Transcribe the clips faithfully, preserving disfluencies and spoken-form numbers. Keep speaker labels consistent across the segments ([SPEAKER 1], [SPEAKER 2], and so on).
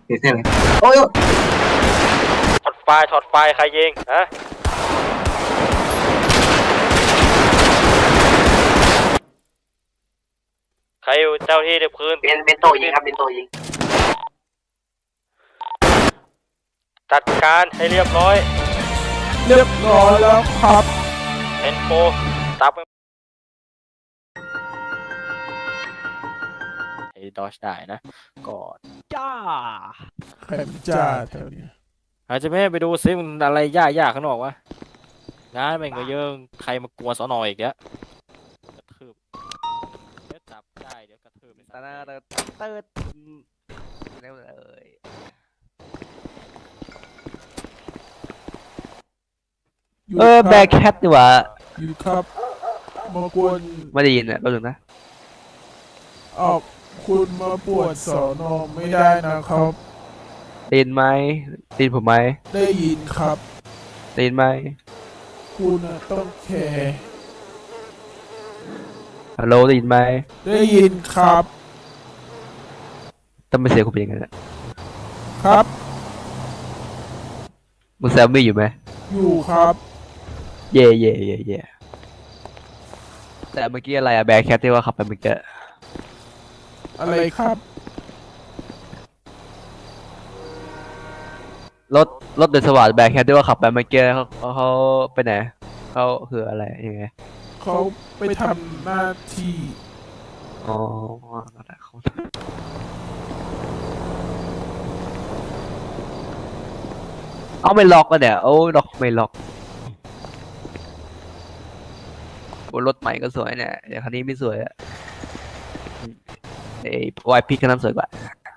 [SPEAKER 1] เสียเลยโอ้ย
[SPEAKER 2] ถอดไฟถอดไฟใครยิงฮะใครอยู่เจ้าที่เด็บคืน
[SPEAKER 1] เป็นเป็นโตยิงครับเป็นโตยิง
[SPEAKER 2] จัดการให้เรียบร้อย
[SPEAKER 3] เรียบร้อยแล้วครับ
[SPEAKER 2] เอ็นโฟตับไอ้ดอชได้นะกอดจ้า
[SPEAKER 3] ใครมันจ้าแถวนี้
[SPEAKER 2] อาจจะไม่ไปดูซิมันอะไรยากๆข้างนอกวะงานแม่งก็เยอะใครมากวนสอนออีกแล้วกระทืบเดี๋ยวจับได้เดี๋ยวกระทืบไปซะเติร์ดเติร์ดเร็วเลย
[SPEAKER 4] เออแบกแคทดีกว่า
[SPEAKER 3] อยู่ครับมากวน
[SPEAKER 4] ไม่ได้ยินอ่ะก็ถึงนะ
[SPEAKER 3] ออกคุณมาปวดสอนอไม่ได้นะครับ
[SPEAKER 4] ได้ยินไหมได้ยินผมไหม
[SPEAKER 3] ได้ยินครับ
[SPEAKER 4] ได้ยินไหม
[SPEAKER 3] คุณต้องแคร์
[SPEAKER 4] ฮัลโหลได้ยินไหม
[SPEAKER 3] ได้ยินครับ
[SPEAKER 4] ทำไมเสียงคุณเป็นยังไงเนี่ย
[SPEAKER 3] ครับ
[SPEAKER 4] มึงแซมมี่อยู่ไหม
[SPEAKER 3] อยู่ครับ
[SPEAKER 4] เย่เย่เย่เย่แต่เมื่อกี้อะไรอะแบกแคทที่ว่าขับไปเมื่อกี้
[SPEAKER 3] อะไรครับ
[SPEAKER 4] รถรถเดินสวัสดิ์แบกแคทที่ว่าขับไปเมื่อกี้เขาเขาไปไหนเขาคืออะไรยังไง
[SPEAKER 3] เขาไปทำหน้าที่
[SPEAKER 4] อ๋อเอาไม่ล็อกกันเนี่ยโอ้ล็อกไม่ล็อกบนรถใหม่ก็สวยเนี่ยเดี๋ยวคันนี้ไม่สวยอะไอ้วายพิกคันนั้นสวยกว่า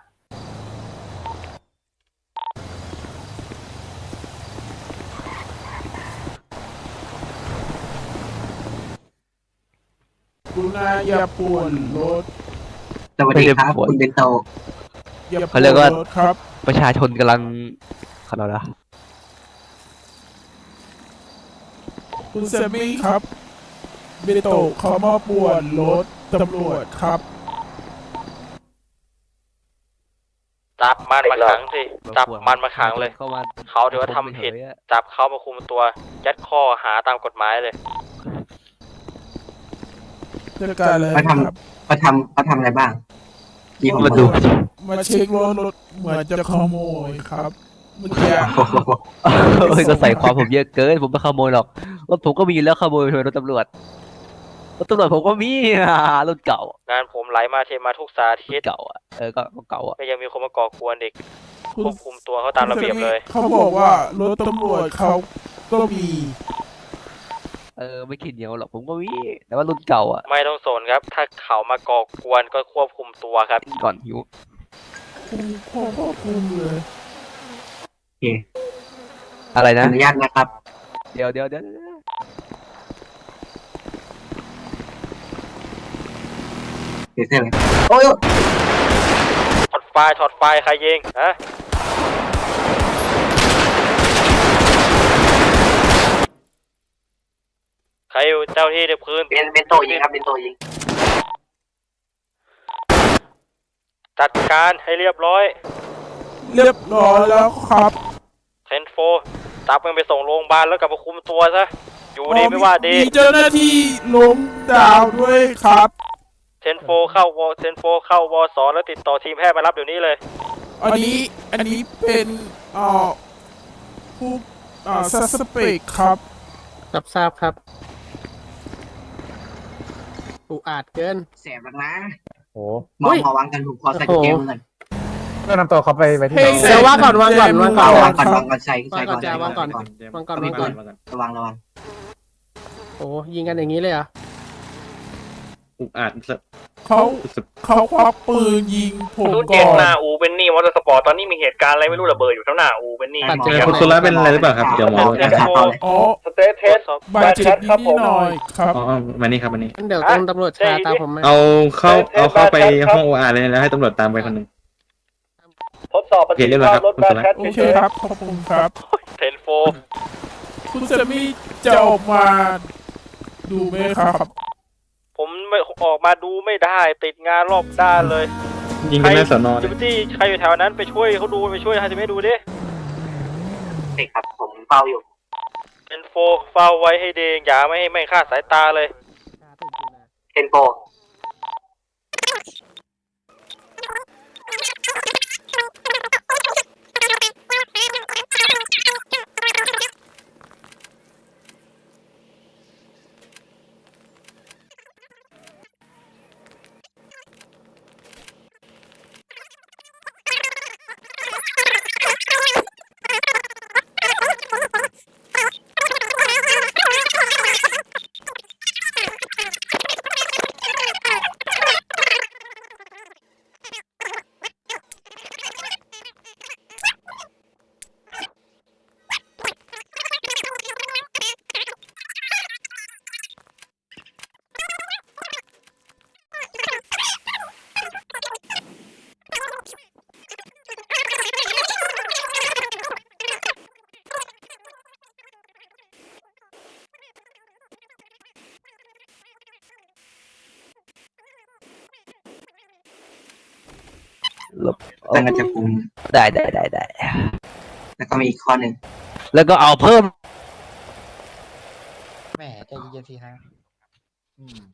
[SPEAKER 3] คุณนายอย่าป่วนรถ
[SPEAKER 1] สวัสดีครับคุณเป็นโต
[SPEAKER 4] เขาเรียกว่าประชาชนกำลังขนาดนะ
[SPEAKER 3] คุณแซมมี่ครับเบโตเขามาป่วนรถตำรวจครับ
[SPEAKER 2] จับมันมาขังสิจับมันมาขังเลยเขาถือว่าทำผิดจับเขามาคุมตัวยัดข้อหาตามกฎหมายเลย
[SPEAKER 3] จัดการเลย
[SPEAKER 1] เขาทำเขาทำเขาทำอะไรบ้าง
[SPEAKER 4] มาดู
[SPEAKER 3] มาเช็ครถรถเหมือนจะขโมยครับเมื่อกี้
[SPEAKER 4] ก็ใส่ความผมเยอะเกินผมไม่ขโมยหรอกรถผมก็มีแล้วขโมยรถตำรวจรถตำรวจผมก็มีรถเก่าง
[SPEAKER 2] านผมไหลมาเทมาทุกสาทิต
[SPEAKER 4] เก่าอ่ะเออก็เก่าอ่ะ
[SPEAKER 2] ก็ยังมีคนมาก่อกวนเด็กควบคุมตัวเขาตามระเบียบเลย
[SPEAKER 3] เขาบอกว่ารถตำรวจเขาก็มี
[SPEAKER 4] เออไม่คิดเหนียวหรอกผมก็มีแต่ว่ารุ่นเก่าอ่ะ
[SPEAKER 2] ไม่ต้องสนครับถ้าเขามาก่อกวนก็ควบคุมตัวครับ
[SPEAKER 4] ก่อนหิว
[SPEAKER 3] คุมควบคุมเลย
[SPEAKER 1] โอเค
[SPEAKER 4] อะไรนะ
[SPEAKER 1] อนุญาตนะครับ
[SPEAKER 4] เดี๋ยวเดี๋ยวเดี๋ยว
[SPEAKER 1] เสียเลยโอ้ย
[SPEAKER 2] ถอดไฟถอดไฟใครยิงฮะใครอยู่เจ้าที่เด็บคืน
[SPEAKER 1] เป็นเป็นโตยิงครับเป็นโตยิง
[SPEAKER 2] จัดการให้เรียบร้อย
[SPEAKER 3] เรียบร้อยแล้วครับ
[SPEAKER 2] เทนโฟตับมันไปส่งโรงพยาบาลแล้วกลับมาคุมตัวซะอยู่ดีไม่ว่าดี
[SPEAKER 3] มีเจ้าหน้าที่ล้มดาวด้วยครับ
[SPEAKER 2] เทนโฟเข้าวอเทนโฟเข้าวอสอแล้วติดต่อทีมแพทย์มารับเดี๋ยวนี้เลย
[SPEAKER 3] อันนี้อันนี้เป็นเอ่อผู้เอ่อซัสเปกครับ
[SPEAKER 5] รับทราบครับอุอาจเกิน
[SPEAKER 1] แสบแล้วนะ
[SPEAKER 5] โอ้
[SPEAKER 1] มองมาวางกันถูกคอใส่เกมกัน
[SPEAKER 5] ก็นำตัวเขาไปไปที่เดี๋ยววางก่อนวางก่อนวางก่อน
[SPEAKER 1] วางก่อนวางก่อนใส่ใส่ก่อน
[SPEAKER 5] วางก่อนวางก่อนวางก่อน
[SPEAKER 1] ระวังระวัง
[SPEAKER 5] โอ้ยิงกันอย่างนี้เลยเหรอ
[SPEAKER 6] อุอาจ
[SPEAKER 3] เขาเขาควักปืนยิงผมก่อน
[SPEAKER 2] เจ็ดหน้าอูเบนนี่มอเตอร์สปอร์ตตอนนี้มีเหตุการณ์อะไรไม่รู้ระเบิดอยู่ทั้งหน้าอูเบนนี่
[SPEAKER 6] คุณสุระเป็นอะไรหรือเปล่าครับเดี๋ยวหมอ
[SPEAKER 3] อ๋อ
[SPEAKER 2] สเตทเทส
[SPEAKER 3] บาดเจ็บนิดหน่อยครับ
[SPEAKER 6] อ๋อมานี่ครับมานี่
[SPEAKER 5] เดี๋ยวต้องตำรวจชาตามผมไหม
[SPEAKER 6] เอาเข้าเอาเข้าไปห้องโออาร์เลยแล้วให้ตำรวจตามไปคนหนึ่ง
[SPEAKER 2] ทดสอบปฏิ
[SPEAKER 6] บัติการรถบัสแคท
[SPEAKER 3] โอเคครับขอบคุณครับ
[SPEAKER 2] เทนโฟ
[SPEAKER 3] คุณแซมมี่จะออกมาดูไหมครับ
[SPEAKER 2] ผมไม่ออกมาดูไม่ได้ติดงานรอบด้านเลย
[SPEAKER 6] ยิงกันหน้าสอนอ
[SPEAKER 2] จิมตี้ใครอยู่แถวนั้นไปช่วยเขาดูไปช่วยให้จะไม่ดูดิ
[SPEAKER 1] เด็กครับผมเฝ้าอยู่
[SPEAKER 2] เป็นโฟเฝ้าไว้ให้ดีอย่าไม่ให้ไม่คลาดสายตาเลย
[SPEAKER 1] เทนโป
[SPEAKER 4] ลบ
[SPEAKER 1] ตั้งกันจับกลุ่ม
[SPEAKER 4] ได้ได้ได้ได้
[SPEAKER 1] แล้วก็มีอีกข้อหนึ่ง
[SPEAKER 4] แล้วก็เอาเพิ่ม
[SPEAKER 5] แหมใจเย็นๆสิฮะ